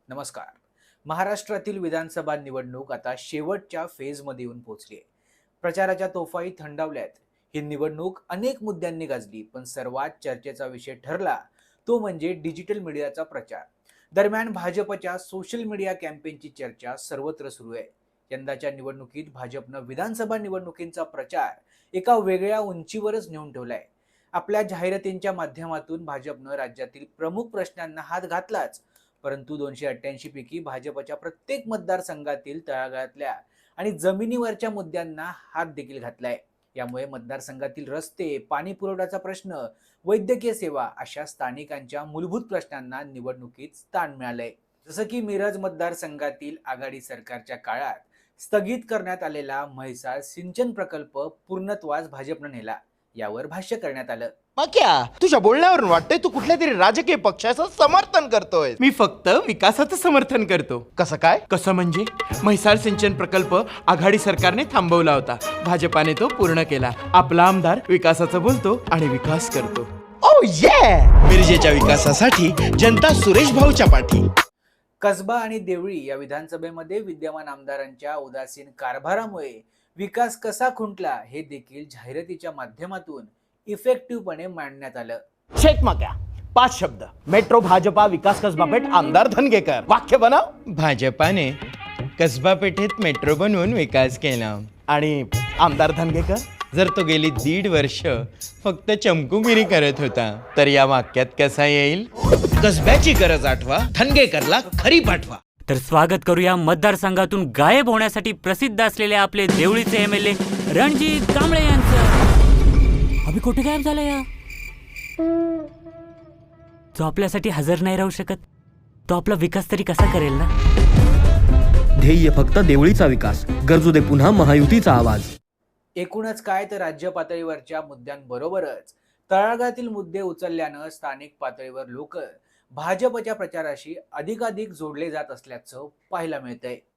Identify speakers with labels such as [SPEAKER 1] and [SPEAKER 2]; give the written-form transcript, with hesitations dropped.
[SPEAKER 1] नमस्कार. महाराष्ट्रातील विधानसभा निवडणूक आता शेवटच्या फेजमध्ये येऊन पोहोचली आहे. प्रचाराच्या तोफाही थंडावल्यात. ही निवडणूक अनेक मुद्द्यांनी गाजली, पण सर्वात चर्चेचा विषय ठरला तो म्हणजे डिजिटल मीडियाचा प्रचार. दरम्यान भाजपच्या सोशल मीडिया कॅम्पेनची चर्चा सर्वत्र सुरू आहे. यंदाच्या निवडणुकीत भाजपनं विधानसभा निवडणुकींचा प्रचार एका वेगळ्या उंचीवरच नेऊन ठेवलाय. आपल्या जाहिरातींच्या माध्यमातून भाजपनं राज्यातील प्रमुख प्रश्नांना हात घातलाच, परंतु 288 पैकी भाजपच्या प्रत्येक मतदारसंघातील तळागाळातल्या आणि जमिनीवरच्या मुद्द्यांना हात देखील घातलाय. यामुळे मतदारसंघातील रस्ते, पाणी पुरवठ्याचा प्रश्न, वैद्यकीय सेवा अशा स्थानिकांच्या मूलभूत प्रश्नांना निवडणुकीत स्थान मिळालंय. जसं की मिरज मतदारसंघातील आघाडी सरकारच्या काळात स्थगित करण्यात आलेला म्हैसाळ सिंचन प्रकल्प पूर्णत्वास भाजपनं नेला. यावर भाष्य करण्यात आलं.
[SPEAKER 2] मग क्या तुझ्या बोलण्यावरून वाटतंय तू कुठल्या तरी राजकीय पक्षाचं समर्थन करतोय.
[SPEAKER 3] मी फक्त विकासाचं समर्थन करतो.
[SPEAKER 2] कसं काय?
[SPEAKER 3] कसं म्हणजे म्हैसाळ सिंचन प्रकल्प आघाडी सरकारने थांबवला होता, भाजपाने तो पूर्ण केला. आपला आमदार विकासाचं बोलतो आणि विकास करतो.
[SPEAKER 2] ओ ये मिरजेच्या विकासासाठी जनता सुरेश भाऊच्या पाठी.
[SPEAKER 1] कसबा आणि देवळी या विधानसभेमध्ये विद्यमान आमदारांच्या उदासीन कारभारामुळे विकास कसा खुंटला हे देखील जाहिरातीच्या माध्यमातून इफेक्टिव्हपणे मांडण्यात आलं.
[SPEAKER 2] शेख मक्या 5 शब्द. मेट्रो भाजपा विकास कसबा पेठ आमदार धनगेकर. वाक्य बनव.
[SPEAKER 4] भाजपाने कसबा पेठेत मेट्रो बनवून विकास केला
[SPEAKER 2] आणि आमदार धनगेकर
[SPEAKER 4] जर तो गेली 1.5 वर्ष फक्त चमकुगिरी करत होता तर या वाक्यात कसा येईल? कसब्याची गरज आठवा, धनगेकरला खरी पाठवा.
[SPEAKER 5] तर स्वागत करूया मतदारसंघातून गायब होण्यासाठी प्रसिद्ध असलेले आपले देवळीचे एमएलए रणजित कांबळे यांचं. अभि कुठे गायब झाला या? जो आपल्यासाठी हजर नाही राहू शकत, तो आपला विकास तरी कसा करेल ना?
[SPEAKER 6] ध्येय फक्त देवळीचा विकास, गरजू दे पुन्हा महायुतीचा आवाज.
[SPEAKER 1] एकूणच काय तर राज्य पातळीवरच्या मुद्द्यांबरोबरच तळागाळातील मुद्दे उचलल्यानं स्थानिक पातळीवर लोक भाजपच्या प्रचाराशी अधिकाधिक जोडले जात असल्याचं पाहायला मिळतंय.